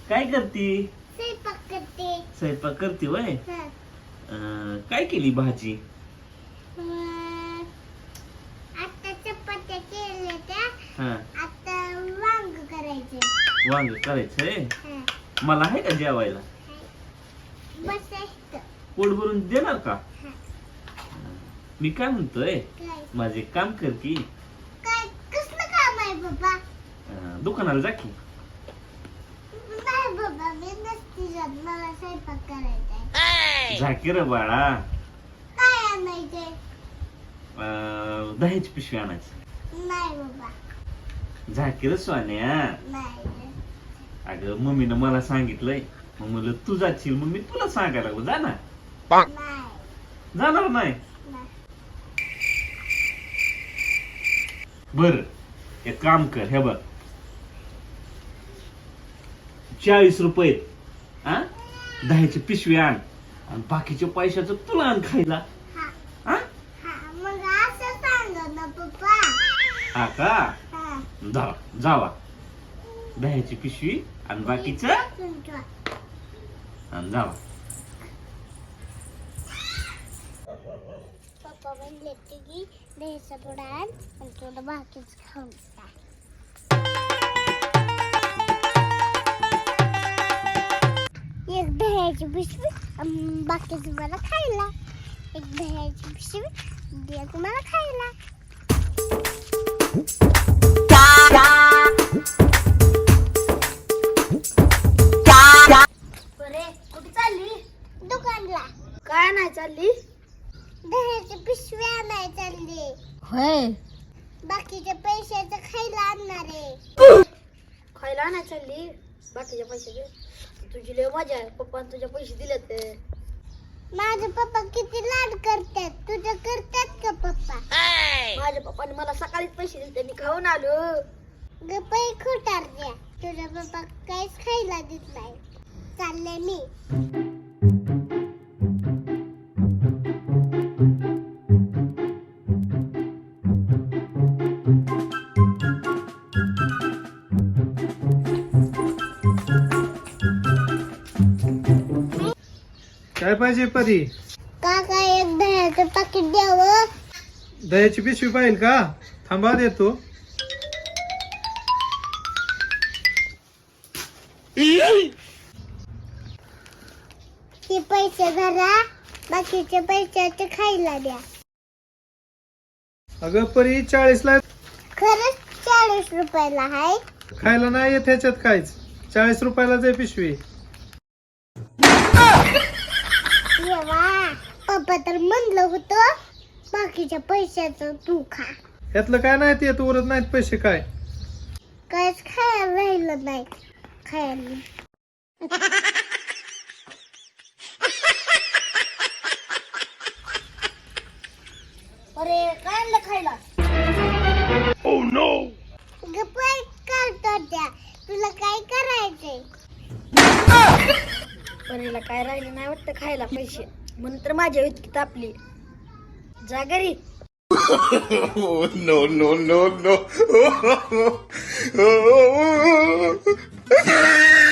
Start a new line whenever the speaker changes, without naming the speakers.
काय करती?
स्वयंपाक करते.
स्वयंपाक करते वय.
हं.
काय केली भाजी?
आता चपात्या केल्या त्या.
हा,
आता वांग करायचे.
वांग करायचंय.
हं.
मला आहे का जेवायला?
बस इथं.
पोट भरून देणार का?
हं.
मी काय म्हणतोय,
काय
माझे काम कर की.
काय कसलं काम आहे बाबा?
दुकानाला जा की.
नाही बाबा, मी नसती जात. मला स्वयंपाक करायचा आहे.
जा की रे बाळा.
काय आणायचंय?
दह्याची पिशवी आणायची.
नाही बाबा,
जा की रे सोन्या.
नाही.
अगं मम्मीनं मला सांगितलंय, मग म्हणलं तू जाशील मग मी तुला सांगायला लागलो. जा ना.
नाही.
जाणार नाही?
नाही.
बर, एक काम कर, हे बघ 40 रुपये हा, दह्याची पिशवी आण आणि बाकीच्या पैशाचं तुला आण खायला.
हा.
हा
हा, मग असं सांग ना पप्पा.
हा का?
हा.
जावा दह्याची पिशवी आणि बाकीचं
तुमचं.
आणि जावा.
पप्पा म्हणले की द्यायचा पुढे आण आणि थोडं बाकीच खाऊन जा. एक दह्याची पिशवी आणि बाकीचं मला खायला. एक दह्याची पिशवी एक मला खायला.
बरे कुठे चालली?
दुकानला
काय नाही चालली?
दह्याची पिशवी आणाय चालली.
होय,
बाकीच्या पैशाचं खायला आणणार आहे.
खायला नाही चालली. बाकीच्या पैशाचे तुझी लय मजा आहे. पप्पाने तुझे पैसे दिले ते.
माझे पप्पा किती लाड करतात. तुझं करतात का पप्पा?
माझ्या पप्पाने मला सकाळीच पैसे दिले, मी खाऊन आलो.
गप्पा खोटार द्या. तुझा पप्पा काहीच खायला देत नाही. चालले मी.
काय पाहिजे परी?
काका एक दह्याचं पाकिट द्यावं.
दह्याची पिशवी पाहिजे का? थांबा देतो.
हे पैसे भरा. बाकीचे पैशाचे खायला द्या.
अगं परी 40 ला
खरंच 40 रुपयाला आहे.
खायला नाही येत ह्याच्यात काहीच. 40 रुपयालाच आहे पिशवी.
येवा, पप्पा तर म्हणलं होतं बाकीच्या पैशाचं तू खा.
यातलं काय नाही येत, उरत नाहीत पैसे काय.
काहीच खायला राहिलं नाही. खायला
अरे काय आणलं खायला?
गप्पा काढतो त्या. तुला काय करायचंय?
परीला काय राहिले नाही वाटतं खायला पैसे, म्हणून तर माझ्या इतकी तापली. जा घरी.
no, no, no, no.